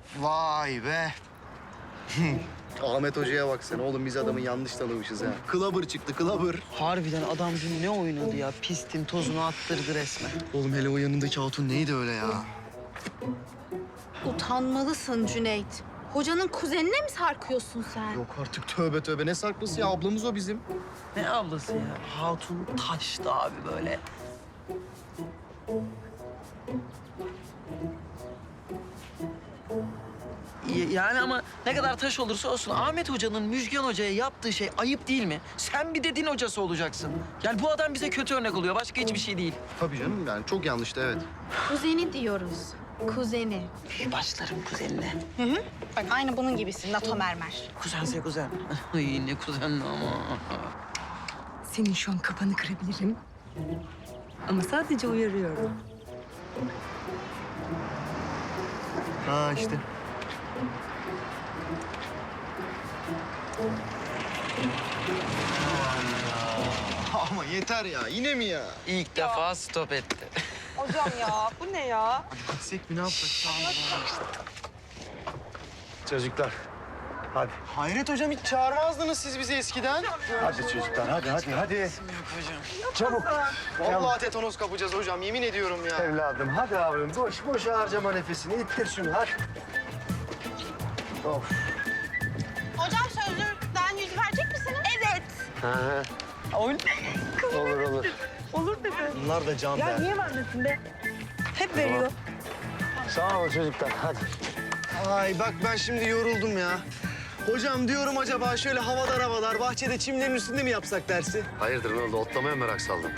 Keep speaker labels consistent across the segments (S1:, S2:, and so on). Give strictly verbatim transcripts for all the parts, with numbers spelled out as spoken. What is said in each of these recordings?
S1: Vay be. Ahmet Hoca'ya bak sen. Oğlum biz adamı yanlış tanımışız ha. Kılabır çıktı, kılabır.
S2: Harbiden adam dün ne oynadı ya? Pistin tozunu attırdı resmen.
S1: Oğlum hele o yanındaki hatun neydi öyle ya?
S3: Utanmalısın Cüneyt. Hocanın kuzenine mi sarkıyorsun sen?
S1: Yok artık tövbe tövbe. Ne saklısı ya? Ablamız o bizim.
S2: Ne ablası ya? Hatun taştı abi böyle. Y- Yani ama ne kadar taş olursa olsun Ahmet Hoca'nın Müjgan Hoca'ya yaptığı şey ayıp değil mi? Sen bir de din hocası olacaksın. Yani bu adam bize kötü örnek oluyor. Başka hiçbir şey değil.
S1: Tabii canım yani çok yanlıştı evet.
S3: Kuzeni diyoruz. Kuzeni.
S2: Başlarım kuzenine.
S3: Hı hı. Bak aynı bunun gibisin. NATO mermer.
S2: Kuzense kuzen. Ay ne kuzenli ama.
S4: Senin şu an kafanı kırabilirim. Ama sadece uyarıyorum.
S1: Ha işte. Ama yeter ya. Yine mi ya?
S2: İlk defa stop etti.
S4: Hocam ya bu ne ya?
S1: Gitsek mi ne yapsak? Çocuklar. Hadi. Hayret hocam hiç çağırmazdınız siz bizi eskiden.
S5: Hadi çocuklar, hadi hadi hadi.
S2: Yok hocam.
S5: Çabuk.
S1: Vallahi tetanos kapacağız hocam yemin ediyorum ya.
S5: Evladım, hadi abim. Boş boş harcama nefesini. İttir şunu, hadi. Of.
S3: Hocam sözlükten yüz verecek misiniz? Evet.
S5: Ha,
S2: Oyun.
S5: olur olur.
S4: Olur dedi.
S1: Bunlar da can
S4: Ya
S1: be.
S4: niye vermesin be? Hep veriyor.
S5: Sağ olun çocuklar, hadi.
S1: Ay bak ben şimdi yoruldum ya. Hocam diyorum acaba şöyle havadar havadar bahçede çimlerin üstünde mi yapsak dersi?
S5: Hayırdır ne oldu? Otlamaya merak saldım.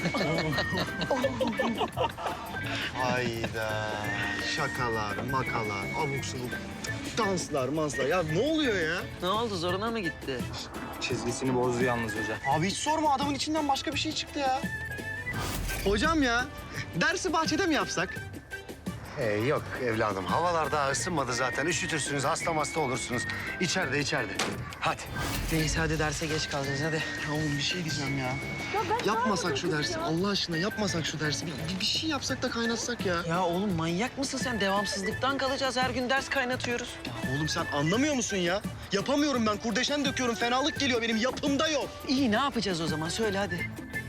S1: Hayda. Şakalar, makalar, abuk subuk, danslar, manslar. Ya ne oluyor ya?
S2: Ne oldu zoruna mı gitti?
S5: Çizgisini bozdu yalnız hocam.
S1: Abi hiç sorma adamın içinden başka bir şey çıktı ya. Hocam ya dersi bahçede mi yapsak?
S5: Ee, yok evladım. Havalar daha ısınmadı zaten. Üşütürsünüz, hasta hasta olursunuz. İçeride, içeride. Hadi.
S2: Neyse hadi derse geç kalacağız hadi.
S1: Ya oğlum bir şey diyeceğim ya. Yapmasak şu dersi Allah aşkına yapmasak şu dersi. Bir, bir şey yapsak da kaynatsak ya.
S2: Ya oğlum manyak mısın sen? Devamsızlıktan kalacağız. Her gün ders kaynatıyoruz.
S1: Oğlum sen anlamıyor musun ya? Yapamıyorum ben kurdeşen döküyorum fenalık geliyor benim yapımda yok.
S2: İyi ne yapacağız o zaman? Söyle hadi.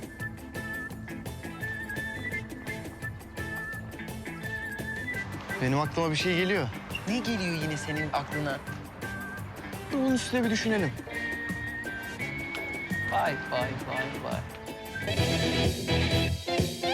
S1: Benim aklıma bir şey geliyor.
S2: Ne geliyor yine senin aklına?
S1: Dur bunun üstüne bir düşünelim.
S2: Vay vay vay vay.